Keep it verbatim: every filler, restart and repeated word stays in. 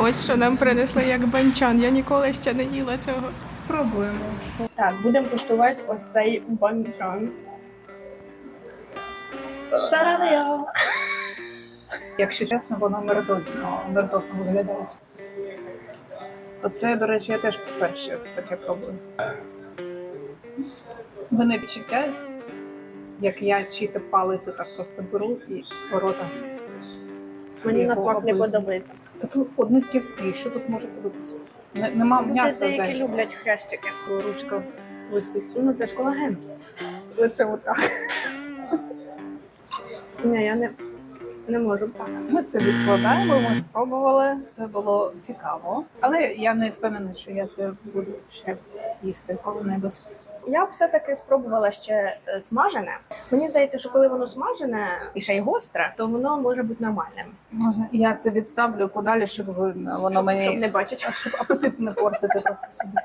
Ось що нам принесли як банчан. Я ніколи ще не їла цього. Спробуємо. Так, будемо куштувати ось цей банчан. Зарадио! Якщо чесно, воно мерзотно, мерзотно виглядає. Оце, до речі, я теж перше таке пробую. Вони відчуття, як я чиїти палець так просто беру і ворота. Мені на Його смак не облизну. подобається. Та тут одні кістки, що тут може подобатися? Не- Нема Люди м'яса деякі зайвого. люблять хрящики. Ручка висить. Ну це ж колаген. Оце отак. Ні, я не, не можу. Ми це відкладаємо, ми спробували. Це було цікаво. Але я не впевнена, що я це буду ще їсти коли-небудь. Я б все-таки спробувала ще е, смажене. Мені здається, що коли воно смажене і ще й гостре, то воно може бути нормальним. Можна я це відставлю подалі, щоб ви- воно мені Щоб не бачити. щоб апетит не портити просто собі.